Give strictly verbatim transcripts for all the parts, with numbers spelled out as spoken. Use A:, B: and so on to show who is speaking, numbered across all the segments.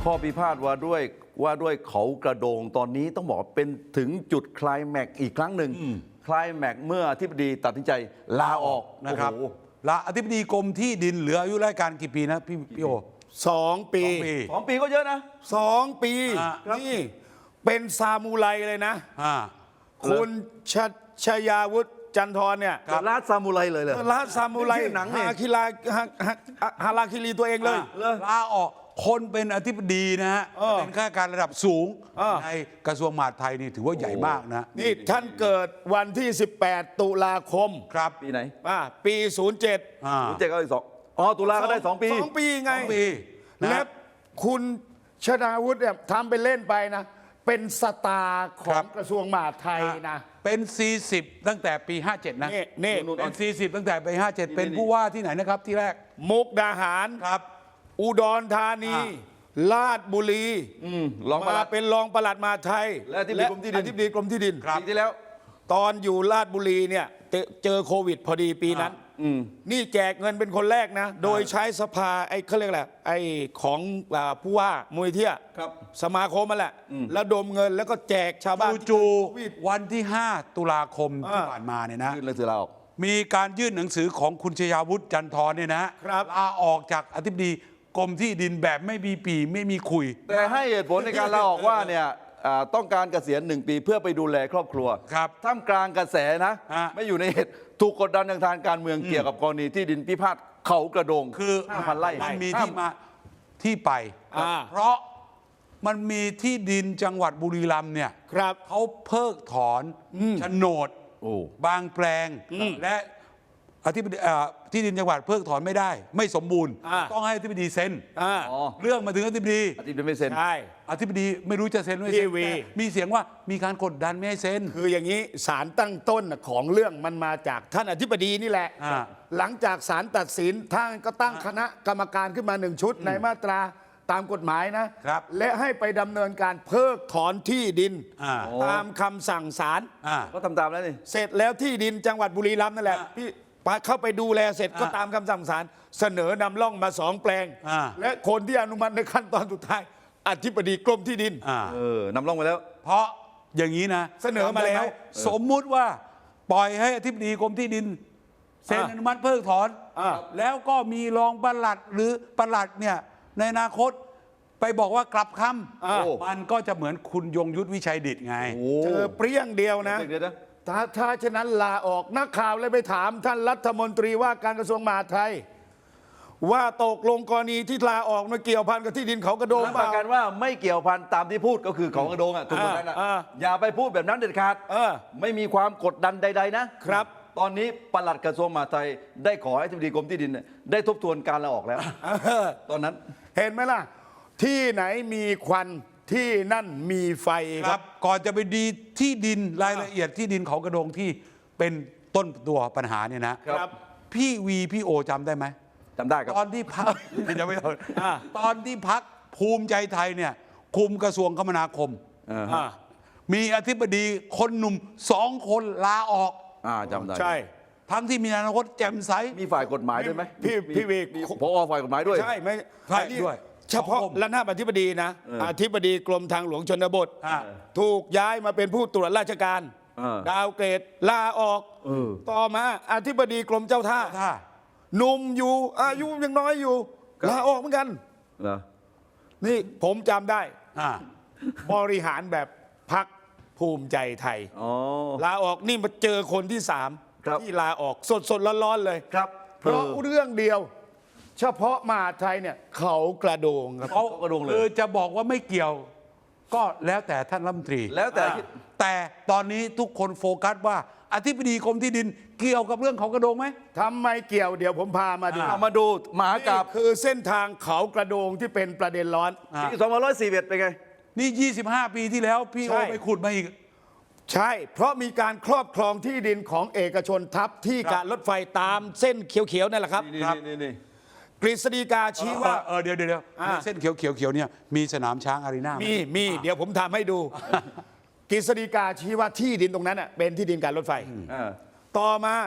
A: ข้อพิพาทว่าด้วยว่าด้วยเขากระโดงตอนนี้ต้องบอกเป็นถึงจุดไคลแม็กซ์อีกครั้งหนึ่งไคลแม็กซ์เมื่ออธิบดีตัดสินใจลาออก
B: นะครับลาอธิบดีกรมที่ดินเหลืออายุราชการกี่ปีนะพี่พี่โอ
C: สองปี
A: สองปีก็เยอะนะ
C: สองปีนี่เป็นซามูไรเลยนะคุณชชยาวุฒิจันทร์เนี่ย
A: ลาดซามูไรเลยเลย
C: ลาดซามูไร
A: หนัง
C: ฮาคิลาฮาราคิรีตัวเองเลย
B: ลาออกคนเป็นอธิบดีนะฮะเป็นข้าราชการระดับสูงในกระทรวงมหาดไทยนี่ถือว่าใหญ่มากนะ
C: นี่ท่านเกิดวันที่สิบแปดตุลาคม
B: ครับ
A: ปีไหน
C: อ่าปีศูนย์เจ็ด
A: ศูนย์เจ็ดก็อีกสองอ๋อตุลาก็ได้สองปี
C: สองปีไง
B: ปี
C: และคุณชนาวุฒิเนี่ยทำไปเล่นไปนะเป็นสตาร์ของกระทรวงมหาดไทยนะ
B: เป็นสี่สิบตั้งแต่ปีห้าเจ็ดนะ
C: นี่
B: เป็นสี่สิบตั้งแต่ปีห้าเจ็ดเป็นผู้ว่าที่ไหนนะครับที่แรก
C: มุกดาหาร
B: ครับ
C: อุดรธานีราชบุรีมาเป็นรองปลัดมหาดไทย
A: และอธิบดีกรมที่ดิน
C: อธิบดีกรมที่ดิน
A: ปีที่แล้ว
C: ตอนอยู่ราชบุรีเนี่ยเจอโควิดพอดีปีนั้นนี่แจกเงินเป็นคนแรกนะโดยใช้สภาไอ้เขาเรียกอะไรไอ้ของผู้ว่ามูลเทียสมาคมมาแหละแล้วดมเงินแล้วก็แจกชาวบ้าน
B: จู่ๆวันที่ห้าตุลาคมที่ผ่านมาเนี่ยนะ
A: ยื่นหนังสือลาออก
B: มีการยื่นหนังสือของคุณชยาวุฒิจันทร์เนี่ยนะลาออกจากอธิบดีกรมที่ดินแบบไม่มีปีไม่มีคุย
A: แต่ให้เหตุผลในการลาออกว่าเนี่ยต้องการเกษียณหนึ่งปีเพื่อไปดูแลครอบครัว
B: ครับ
A: ท่ามกลางกระแสนะไม่อยู่ในเหตุถูกกดดันทางการเมืองเกี่ยวกับกรณีที่ดินพิพาทเขากระโดง
B: คือ
A: ห้าพันไร่
B: มันมีที่มาที่ไปเพราะมันมีที่ดินจังหวัดบุรีรัมย์เนี่ยเขาเพิกถอนโฉนดบางแปลงและอธิบดีที่ดินจังหวัดเพิกถอนไม่ได้ไม่สมบูรณ์ต้องให้อธิบดีเซ็นเรื่องมาถึงอธิบดี
A: อธิบดีไม่เซ็น
C: ใช่
B: อธิบดีไม่รู้จะเซ็นไม่เซ็นมีเสียงว่ามีการกดดันไม่ให้เซ็น
C: คืออย่างนี้ศาลตั้งต้นของเรื่องมันมาจากท่านอธิบดีนี่แหละหลังจากศาลตัดสินท่านก็ตั้งคณะกรรมการขึ้นมาหนึ่งชุดในมาตราตามกฎหมายนะและให้ไปดำเนินการเพิกถอนที่ดินตามคำสั่งศาล
A: ก็ทำตามแล้วนี่
C: เสร็จแล้วที่ดินจังหวัดบุรีรัมย์นั่นแหละพี่เข้าไปดูแลเสร็จก็ตามคำสั่งศาลเสนอนำร่องมาสองแปลงและคนที่อนุมัติในขั้นตอนสุดท้ายอธิบดีกรมที่ดิน
A: เออนำร่องไปแล้ว
B: เพราะอย่างนี้นะ
C: เสนอมาแล้ว
B: สมมุติว่าปล่อยให้อธิบดีกรมที่ดินเซ็นอนุมัติเพิกถอนแล้วก็มีรองปลัดหรือปลัดเนี่ยในอนาคตไปบอกว่ากลับคำมันก็จะเหมือนคุณยงยุทธวิชัยดิษฐ์ไง
C: เจอเปรี้ยงเดียวนะถ้าถ้าฉะนั้นลาออกนักข่าวเลยไปถามท่านรัฐมนตรีว่าการกระทรวงมหาดไทยว่าตกลงกรณีที่ลาออกมาเกี่ยวพันกับที่ดินเขากระโดง
A: เปล่ากันว่าไม่เกี่ยวพันตามที่พูดก็คือเขากระโดงอ่ะถูกไหมนะอย่าไปพูดแบบนั้นเด็ดขาดไม่มีความกดดันใดๆนะครับตอนนี้ปลัดกระทรวงมหาดไทยได้ขอให้อธิบดีกรมที่ดินได้ทบทวนการลาออกแล้วตอนนั้น
C: เห็นไหมล่ะที่ไหนมีควันที่นั่นมีไฟ
B: ครับก่อนจะไปดีที่ดินรายละเอียดที่ดินเขากระโดงที่เป็นต้นตัวปัญหาเนี่ยนะครับพี่วีพี่โอจำได้ไหม
A: จำได้ครับ
B: ตอนที่พักจะไม่ตอนตอนที่พักภูมิใจไทยเนี่ยคุมกระทรวงคมนาคมมีอธิบดีคนหนุ่มสองคนลาออก
A: จำได้
C: ใช่
B: ทั้งที่มีอนาคตแจ่มใส
A: มีฝ่ายกฎหมายด้วยไหม
C: พี่พี่วี
A: ผอฝ่ายกฎหมายด้วย
C: ใช่ไหม
B: ใช่ด้วย
C: เฉพาะระนาบอธิบดีนะอธิบดีกรมทางหลวงชนบทถูกย้ายมาเป็นผู้ตรวจราชการดาวเกรดลาออกต่อมาอธิบดีกรมเจ้าท่าหนุ่มอยู่อายุยังน้อยอยู่ลาออกเหมือนกันนี่ผมจำได้บริหารแบบพักภูมิใจไทยลาออกนี่มาเจอคนที่สามที่ลาออกสดสดร้อนๆเลย
A: ครับ
C: เพราะเรื่องเดียวเฉพาะมหาดไทยเนี่ยเขากระโดง
B: เขากระโดงเลยคือจะบอกว่าไม่เกี่ยวก็แล้วแต่ท่านรัฐมนตรี
A: แล้วแต่
B: แต่ตอนนี้ทุกคนโฟกัสว่าอธิบดีกรมที่ดินเกี่ยวกับเรื่องเขากระโดงไหม
C: ทำไมเกี่ยวเดี๋ยวผมพามาดู
A: มาดูมหากาพย์
C: คือเส้นทางเขากระโดงที่เป็นประเด็นร้อน
A: ปีสองพันร้อยสี่สิบเอ็ดเป็นไง
B: นี่ยี่สิบห้าปีที่แล้วพี่โอไปขุดมาอีก
C: ใช่เพราะมีการครอบครองที่ดินของเอกชนทับที่การรถไฟตามเส้นเขียวๆนั่นแหละครับ
A: นี่
C: กฤษฎีกาชี้ว่า
B: เออเดี๋ยวเดี๋ยวเส้นเขียวเขียวเขียวเนี่ยมีสนามช้างอารีนา
C: มีมีเดี๋ยวผมทำให้ดูกฤษฎีกาชี้ว่าที่ดินตรงนั้นเป็นที่ดินการรถไฟต่อมา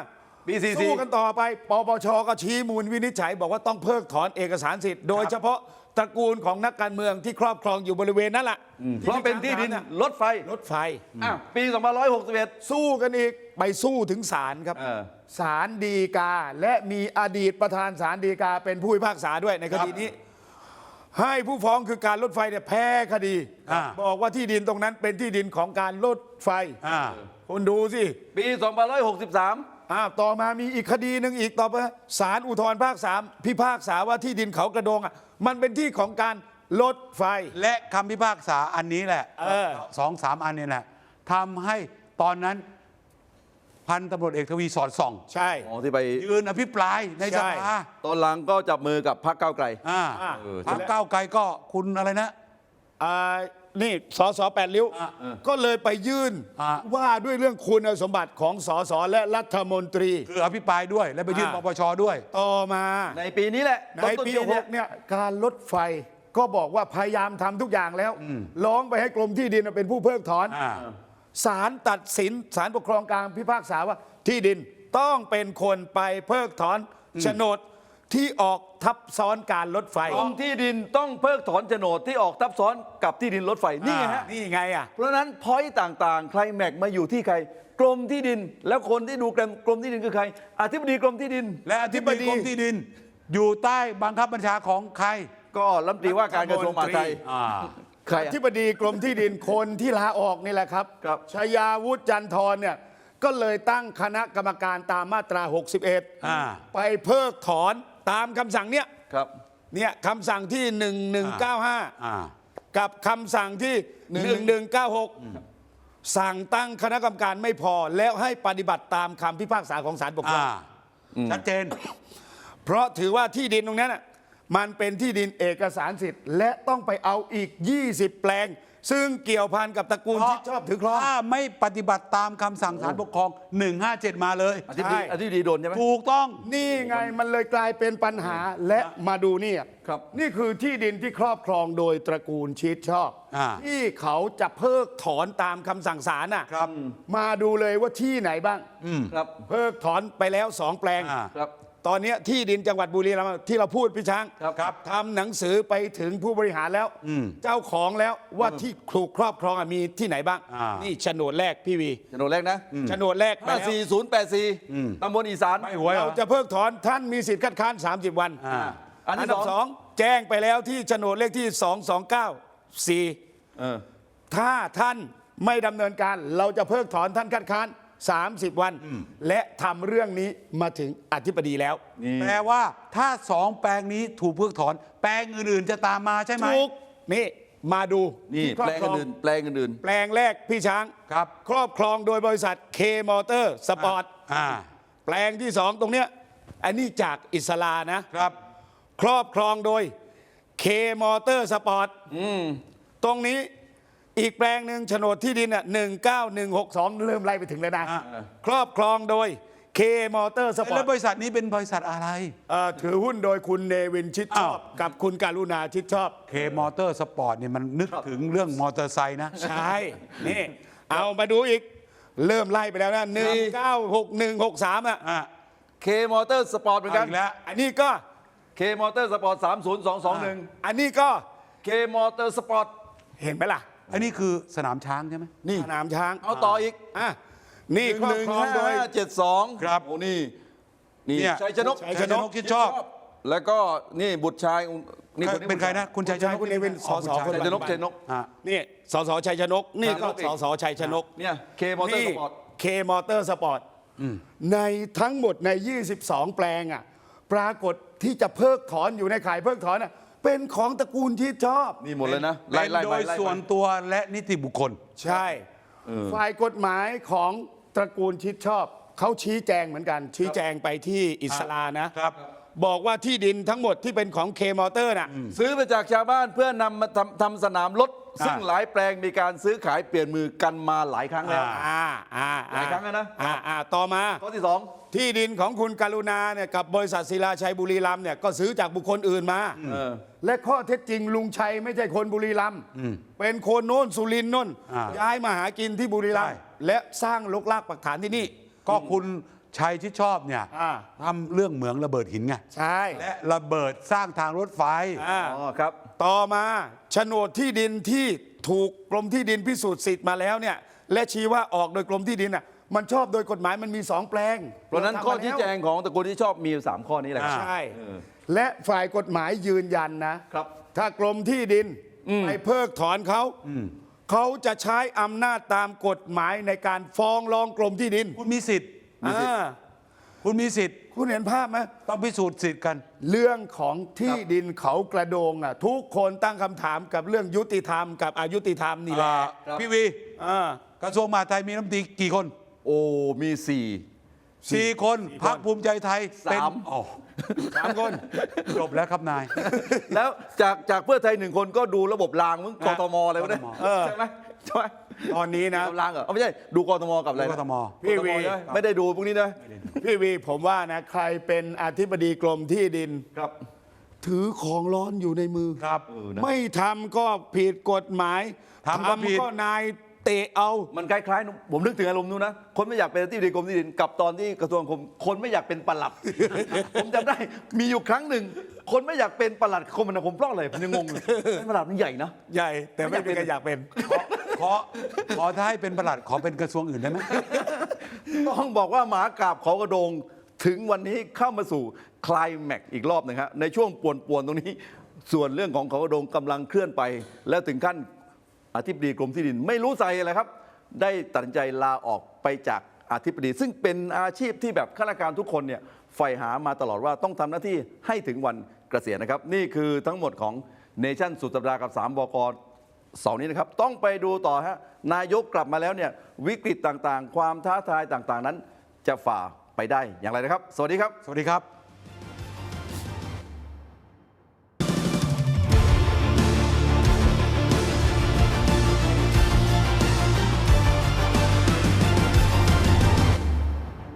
A: ปีสี่สิบ
C: สู้กันต่อไปปปชก็ชี้มูลวินิจฉัยบอกว่าต้องเพิกถอนเอกสารสิทธิ์โดยเฉพาะตระกูลของนักการเมืองที่ครอบครองอยู่บริเวณนั้นแหละ
A: เพราะเป็นที่ดินรถไฟ
C: รถไฟ
A: อ่ะปีสองพันร้อยหกสิบเอ็ด
C: สู้กันอีกไปสู้ถึงศาลครับ
A: เออ
C: ศาลฎีกาและมีอดีตประธานศาลฎีกาเป็นผู้พิพากษาด้วยในคดีนี้ ให้ผู้ฟ้องคือการรถไฟเนี่ยแพ้คดี
B: อ่า
C: บอกว่าที่ดินตรงนั้นเป็นที่ดินของการรถไฟ
B: อ่า
C: คุณดูสิ
A: ปีสองพันร้อยหกสิบสาม
C: อ้าวต่อมามีอีกคดีหนึ่งอีกต่อไปศาลอุทธรภาคสามพิพากษาว่าที่ดินเขากระโดงอ่ะมันเป็นที่ของการรถไฟ
B: และคำพิพากษาอันนี้แหละ
C: เออ
B: สองสามอันนี้แหละทำให้ตอนนั้นพันตำรวจเอกทวีสอดส่อง
C: ใช่
A: อ๋อที่ไป
B: ยืนอภิปรายในส
C: ใช่
B: ภา
A: ตอนหลังก็จับมือกับพรรคก้าวไกล
B: อ่า
C: อ่า
B: พรรคก้าวไกลก็คุณอะไรนะ
C: อ่านี่สสแปดริ้ว
B: อ่ะ
C: ก็เลยไปยื่น
B: อ่ะ
C: ว่าด้วยเรื่องคุณสมบัติของสสและรัฐมนตรี
B: คืออภิปรายด้วย และไปยื่นป
C: อ่า
B: ปชด้วย
C: ต่อมา
A: ในปีนี้แหละ
C: ใน
A: ต้นๆ
C: ปี
A: เดือน
C: ห
A: เนี่ย
C: กเนี่ยการรถไฟก็บอกว่าพยายามทำทุกอย่างแล้วร้องไปให้กรมที่ดินเป็นผู้เพิกถอน
B: อ่า
C: ศาลตัดสินศาลปกครองกลางพิพากษาว่าที่ดินต้องเป็นคนไปเพิกถอนโฉนดที่ออกทับซ้อนการรถไฟ
A: กรมที่ดินต้องเพิกถอนโฉนดที่ออกทับซ้อนกับที่ดินรถไฟนี่ไงฮะ
C: นี่ไงอ่ะ
A: เพราะฉะนั้นพอยต์ต่างๆ ใครแม็กมาอยู่ที่ใคร กรมที่ดิน แล้วคนที่ดูกรมที่ดินคือใคร อธิบดีกรมที่ดิน
B: และอธิบดีกรมที่ดิน อยู่ใต้บังคับบัญชาของใคร
A: ก็รัฐมนตรีว่าการกระทรวงมหาดไทย
B: อ่า
A: ใคร
C: อ
A: อะ
C: ธิบดีกรมที่ดินคนที่ลาออกนี่แหละครับ
A: ครับ
C: ชยาวุฒิจันทรเนี่ยก็เลยตั้งคณะกรรมการตามมาตรา หกสิบเอ็ด
B: อ่า
C: ไปเพิกถอนตามคำสั่งเนี้ย
A: ครับ
C: เนี่ยคำสั่งที่ หนึ่งหนึ่งเก้าห้า
B: อ่า
C: กับคำสั่งที่ หนึ่งหนึ่งเก้าหก สั่งตั้งคณะกรรมการไม่พอแล้วให้ปฏิบัติตามคำพิพากษาของศาลปกครอ
B: อ่าง ชัดเจน
C: เพราะถือว่าที่ดินตรงนั้นน่ะมันเป็นที่ดินเอกสารสิทธิ์ และต้องไปเอาอีก ยี่สิบ แปลง ซึ่งเกี่ยวพันกับตระกูลที่ชอบถือครอง
B: ถ้าไม่ปฏิบัติตามคำสั่งศาลปกครอง หนึ่งห้าเจ็ด มาเลย
A: อธิบดี
C: ใช่
A: อธิบดีโดนใช่ไหม
B: ถูกต้อง
C: นี่ไงมันเลยกลายเป็นปัญหาและมาดูนี่
A: ครับ
C: นี่คือที่ดินที่ครอบครองโดยตระกูลชิดชอบ
B: อ่า
C: ที่เขาจะเพิกถอนตามคำสั่งศาลน่ะ
B: ครับ
C: มาดูเลยว่าที่ไหนบ้าง
A: ครับ
C: เพิกถอนไปแล้วสองแปลง
B: อ่า
A: ครับ
C: ตอนเนี้ยที่ดินจังหวัดบุรีรัมย์ที่เราพูดพี่ช้าง
A: ครับครับ
C: ทำหนังสือไปถึงผู้บริหารแล้ว เจ้าของแล้วว่าที่ถูกครอบครองอ่ะมีที่ไหนบ้าง
B: อ่านี่
C: นี่โฉนดแรกพี่วี
A: โฉนดแรกนะ
C: โฉนดแรกไป
A: ห้า
C: แล้ว
A: สี่ศูนย์แปดสี่ตำบลอีสาน
B: ไม่หวยเหร
C: เรา
B: อ
C: จะเพิกถอนท่านมีสิทธิ์คัดค้าน สามสิบ วัน
B: อ่า
A: อันที่
C: ดับ
A: ส
C: ส
A: อ
C: อง งแจ้งไปแล้วที่โฉนดเลขที่ สองสองเก้าสี่
A: เออ
C: ถ้าท่านไม่ดำเนินการเราจะเพิกถอนท่านคัดค้าน สามสิบ วัน และทำเรื่องนี้มาถึงอธิบดีแล้ว
A: นี่
B: แปลว่าถ้าสองแปลงนี้ถูกเพิกถอน แปลงอื่นๆจะตามมาใช่ไหม
C: ถูกนี่มาดู
A: นี่
C: ที่ครอ
A: แปล
C: บ
A: ง
C: ครอง
A: อื่นๆแปลงอื่น
C: แปลงแรกพี่ช้าง
B: ครับ
C: ครอบครองโดยบริษัทเคมอเตอร์สปอร์ต
B: อ่า
C: แปลงที่สองตรงเนี้ยอันนี้จากอิสลานะ
B: ครับ
C: ครอบครองโดยเคมอเตอร์สปอร์ตตรงนี้อีกแปลงหนึ่งโฉนดที่ดินอ่ะหนึ่งเก้าหนึ่งหกสองเริ่มไล่ไปถึงแล้วนะ
B: อ่า
C: ครอบครองโดยเคมอเตอร์สปอ
B: แล้
C: ร์
B: ว
C: ต
B: บริษัทนี้เป็นบริษัทอะไร
C: ถือหุ้นโดยคุณเนวินชิดชอบ
B: อ้าว
C: กับคุณการุณาชิดชอบ
B: เคมอเตอร์สปอร์ตเนี่ยมันนึกถึงเรื่องมอเตอร์ไซค์นะ
C: ใช่ นี่ เอามาดูอีก เริ่มไล่ไปแล้วนะหนึ่งเก้าหกหนึ่งหกสามอ่ะ
B: อ่า
A: ๆเคมอเตอร์สปอร์ตเหมือนกัน
B: อีกแล้ว
C: อันนี้ก็
A: เคมอเตอร์สปอร์ตสามศูนย์สองสองหนึ่ง
C: อันนี้ก็
A: เคมอเตอร์สปอร์ต
C: เห็นไหมล่ะ
B: อันนี้คือสนามช้างใช่ไหม
A: นี่
C: สนามช้าง
A: เอาต่ออีก
C: อ่ะนี่
A: หนึ่ง
C: ครอบ
A: หนึ่ง
C: ครองโดย
A: ห้าเจ็ดสอง
B: ครับ
A: โอ้นี่นี่
B: เนี่ย
A: ชัยชนก
C: ชัย
B: ชัยชนกคิดชอบ
A: แล้วก็นี่บุตรชายนี่
B: เป็นใครนะ คุณชัยชนก
C: คุณเนวินสส
A: ชัยชนกชัยชนก
B: อ่า
C: นี่สสชัยชนก นี่ก็
A: ชัยชนก
C: สสชัยชนก
A: เนี่ยเคมอเตอร์สปอร์ต
C: เคมอเตอร์สปอร์ตในทั้งหมดใน ยี่สิบสอง แปลงอ่ะปรากฏที่จะเพิกถอนอยู่ในข่ายเพิกถอนอ่ะเป็นของตระกูลที่ชอบ
A: นี่หมดเลยนะ
B: เป็น
A: ไล่ๆ
B: โด
A: ไป
B: ย
A: ไล่ๆไป
B: ส่วนตัวและนิติบุคคล
C: ใช่ ฝ่ายกฎหมายของตระกูลชิดชอบ เขาชี้แจงเหมือนกัน ชี้แจงไปที่อิสลานะ
B: ครับ
C: บอกว่าที่ดินทั้งหมดที่เป็นของเคมอเตอร์น่ะ
A: ซื้อมาจากชาวบ้านเพื่อนำมาทำทำสนามรถ ซึ่งหลายแปลงมีการซื้อขายเปลี่ยนมือกันมาหลายครั้งแล้ว
C: อ่าอ่า
A: หลายครั้งแล้วนะ
C: อ่าอ่าต่อมา
A: ข้อที่สอง
C: ที่ดินของคุณการุณาเนี่ยกับบริษัทศิลาชัยบุรีรัมย์เนี่ยก็ซื้อจากบุคคลอื่นมา
A: เออ
C: และข้อเท็จจริงลุงชัยไม่ใช่คนบุรีรัมย์เป็นคนโน้นสุรินทร์โน้น
B: อ่า
C: ย้ายมาหากินที่บุรีรัมย์
B: ใช่
C: และสร้างลกลากปักฐานที่นี่
B: ก็คุณชัยชิดชอบเนี่ย
C: อ่า
B: ทำเรื่องเหมืองระเบิดหินไง
C: ใช่
B: และระเบิดสร้างทางรถไฟ
C: อ่า
A: อ๋อครับ
C: ต่อมาโฉนดที่ดินที่ถูกกรมที่ดินพิสูจน์สิทธิ์มาแล้วเนี่ยและชี้ว่าออกโดยกรมที่ดินอ่ะมันชอบโดยกฎหมายมันมีสองแปลง
A: เพราะฉะนั้นข้อชี้แจงของตระกูลที่ชอบมีอยู่สามข้อนี้แหละครับ
C: ใช่ และฝ่ายกฎหมายยืนยันนะครับ ถ้ากรมที่ดินไปเพิกถอนเขาเขาจะใช้อำนาจตามกฎหมายในการฟ้องร้องกรมที่ดิน
B: คุณมีสิทธิ์
C: อ่า
B: คุณมีสิทธิ์
C: คุณเห็นภาพไหม
B: ต้องพิสูจน์สิทธิ์กัน
C: เรื่องของที่ดินเขากระโดงอ่ะทุกคนตั้งคำถามกับเรื่องยุติธรรมกับอายุติธรรมนี่แหละ
A: ครับ
B: พี่วี
C: อ่า
B: กระทรวงมหาดไทยมีรัฐมนตรีกี่คน
A: โอ้มีสี่
B: สี่คนพรรคภูมิใจไทยเป็น
A: สาม
B: อ๋อ
C: สามคน
B: จบแล้วครับนาย
A: แล้วจากจากเพื่อไทยหนึ่งคนก็ดูระบบรางมึงกทมอะไรวะเนี่ย
B: กทม
C: เออ
A: ใช่ไหมใช่ไหม
C: ตอนนี้นะ
A: ดูรางเหรอเอาไม่ใช่ดูกทมกับอะไรนะ
B: กทม
C: พี่วี
A: กทมใช่ไหมไม่ได้ดูพวกนี้นะ
C: พี่วีผมว่านะใครเป็นอธิบดีกรมที่ดิน
A: ครับ
C: ถือของร้อนอยู่ในมือ
B: ครับ
A: เออนะ
C: ไม่ทำก็ผิดกฎหมาย
B: ทำก็ผิด
C: ก็นายเตะเอา
A: มันคล้ายๆผมนึกถึงอารมณ์นู้นนะคนไม่อยากเป็นอธิบดีกรมที่ดินกับตอนที่กระทรวงคมคนไม่อยากเป็นปลัด ผมจำได้มีอยู่ครั้งหนึ่ง คนไม่อยากเป็นปลัดคมนาคมเพราะอะไรผมยังงงเลยปลัดมันใหญ่นะ
C: ใหญ่ แต่ไม่มีใครอยากเป็น
B: ขอขอถ้าให้เป็นประหลัดขอเป็นกระทรวงอื่นได้ไหม
A: ต้องบอกว่าหมากราบเขากระโดงถึงวันนี้เข้ามาสู่ไคลายแม็กซ์อีกรอบหนึงครับในช่วงป่วนๆตรงนี้ ส่วนเรื่องของเขากระโดงกำลังเคลื่อนไป แล้วถึงขั้นอธิบดีกรมที่ดิน ไม่รู้ใจอะไรครับ ได้ตัดสินใจลาออกไปจากอธิบดี ซึ่งเป็นอาชีพที่แบบข้าราชการทุกคนเนี่ยใฝ่หามาตลอดว่าต้องทำหน้าที่ให้ถึงวันเกษียณนะครับ นี่คือทั้งหมดของเนชั่นสุดสัปดาห์กับสามบกเสาร์นี้นะครับ ต้องไปดูต่อฮะนายกกลับมาแล้วเนี่ยวิกฤตต่างๆ ความท้าทายต่างๆนั้น จะฝ่าไปได้อย่างไรนะครับ สวัสดีครับ
B: สวัสดีครับ